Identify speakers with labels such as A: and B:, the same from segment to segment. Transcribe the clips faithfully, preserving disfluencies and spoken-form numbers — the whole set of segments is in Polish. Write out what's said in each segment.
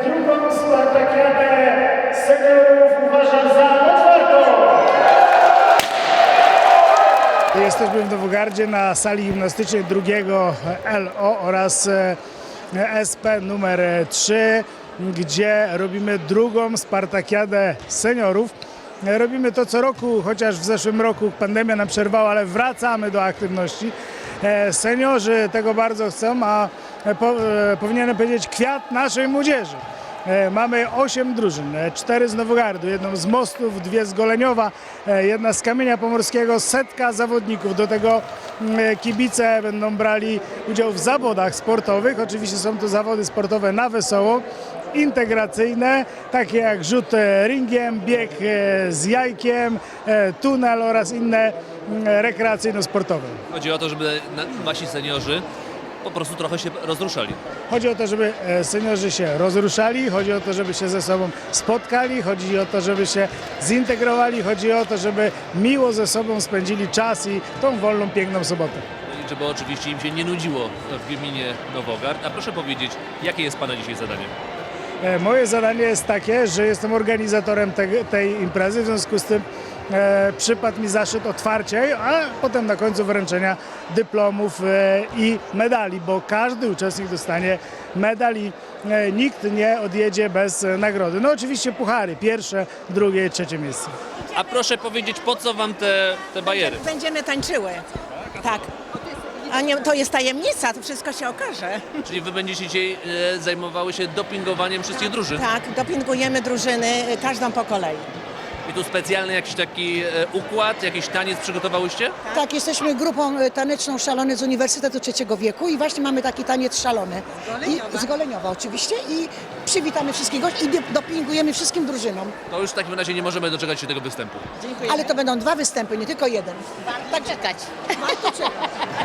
A: drugą Spartakiadę seniorów uważam za otwartą. Jesteśmy w Nowogardzie na sali gimnastycznej drugiego L O oraz S P numer trzy, gdzie robimy drugą Spartakiadę seniorów. Robimy to co roku, chociaż w zeszłym roku pandemia nam przerwała, ale wracamy do aktywności. Seniorzy tego bardzo chcą, a po, powinienem powiedzieć kwiat naszej młodzieży. Mamy osiem drużyn, cztery z Nowogardu, jedną z Mostów, dwie z Goleniowa, jedna z Kamienia Pomorskiego, setka zawodników. Do tego kibice będą brali udział w zawodach sportowych. Oczywiście są to zawody sportowe na wesoło, integracyjne, takie jak rzut ringiem, bieg z jajkiem, tunel oraz inne rekreacyjno-sportowe.
B: Chodzi o to, żeby wasi seniorzy po prostu trochę się rozruszali.
A: Chodzi o to, żeby seniorzy się rozruszali, chodzi o to, żeby się ze sobą spotkali, chodzi o to, żeby się zintegrowali, chodzi o to, żeby miło ze sobą spędzili czas i tą wolną, piękną sobotę.
B: I żeby oczywiście im się nie nudziło w gminie Nowogard. A proszę powiedzieć, jakie jest Pana dzisiaj zadanie?
A: Moje zadanie jest takie, że jestem organizatorem te, tej imprezy, w związku z tym e, przypadł mi zaszczyt otwarcia, a potem na końcu wręczenia dyplomów e, i medali, bo każdy uczestnik dostanie medal i e, nikt nie odjedzie bez e, nagrody. No oczywiście puchary, pierwsze, drugie, trzecie miejsce.
B: A proszę powiedzieć, po co Wam te, te bajery?
C: Będziemy tańczyły. Tak. A nie, to jest tajemnica, to wszystko się okaże.
B: Czyli Wy będziecie dzisiaj e, zajmowały się dopingowaniem wszystkich drużyn?
C: Tak, dopingujemy drużyny, każdą po kolei.
B: I tu specjalny jakiś taki e, układ, jakiś taniec przygotowałyście?
D: Tak, jesteśmy grupą e, taneczną Szalony z Uniwersytetu Trzeciego Wieku i właśnie mamy taki taniec szalony. I, z Goleniowa oczywiście i przywitamy wszystkich gości i dopingujemy wszystkim drużynom.
B: To już w takim razie nie możemy doczekać się tego występu.
D: Ale to będą dwa występy, nie tylko jeden.
C: Tak czekać.
D: Warto czekać.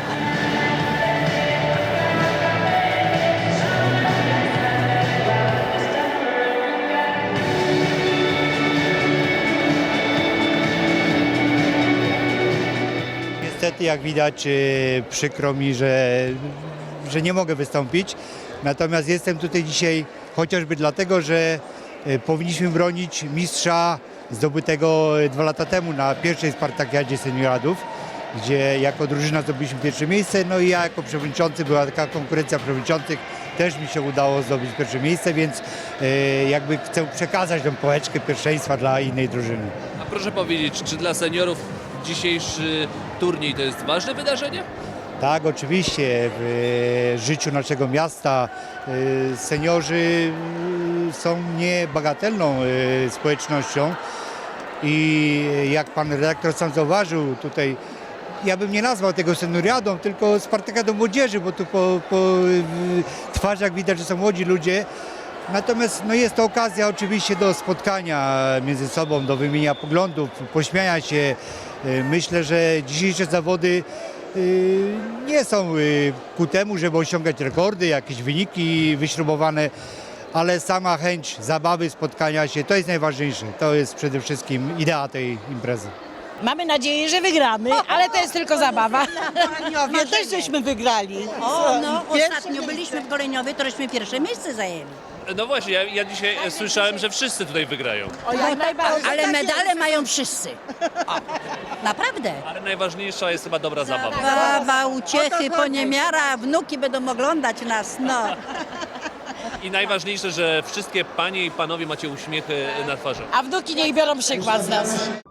E: Niestety, jak widać, e, przykro mi, że, że nie mogę wystąpić. Natomiast jestem tutaj dzisiaj chociażby dlatego, że e, powinniśmy bronić mistrza zdobytego dwa lata temu na pierwszej Spartakiadzie Senioradów, gdzie jako drużyna zdobyliśmy pierwsze miejsce. No i ja jako przewodniczący, była taka konkurencja przewodniczących, też mi się udało zdobyć pierwsze miejsce, więc e, jakby chcę przekazać tę pałeczkę pierwszeństwa dla innej drużyny.
B: A proszę powiedzieć, czy dla seniorów dzisiejszy turniej to jest ważne wydarzenie?
E: Tak, oczywiście. W e, życiu naszego miasta e, seniorzy e, są niebagatelną e, społecznością i jak pan redaktor sam zauważył tutaj, ja bym nie nazwał tego senioriadą, tylko Spartakiadą młodzieży, bo tu po, po e, twarzach widać, że są młodzi ludzie. Natomiast no, jest to okazja oczywiście do spotkania między sobą, do wymienienia poglądów, pośmiania się. E, Myślę, że dzisiejsze zawody y, nie są y, ku temu, żeby osiągać rekordy, jakieś wyniki wyśrubowane, ale sama chęć zabawy, spotkania się, to jest najważniejsze. To jest przede wszystkim idea tej imprezy.
F: Mamy nadzieję, że wygramy, ale to jest tylko zabawa.
D: Goleniowie też żeśmy wygrali.
G: O, no ostatnio byliśmy w Goleniowie, to żeśmy pierwsze miejsce zajęli.
B: No właśnie, ja, ja dzisiaj e, słyszałem, że wszyscy tutaj wygrają.
G: Ale medale mają wszyscy. O, naprawdę.
B: Ale najważniejsza jest chyba dobra zabawa.
G: Bawa, uciechy, poniemiara, wnuki będą oglądać nas, no.
B: I najważniejsze, że wszystkie panie i panowie macie uśmiechy na twarzy.
F: A wnuki niech biorą przykład z nas.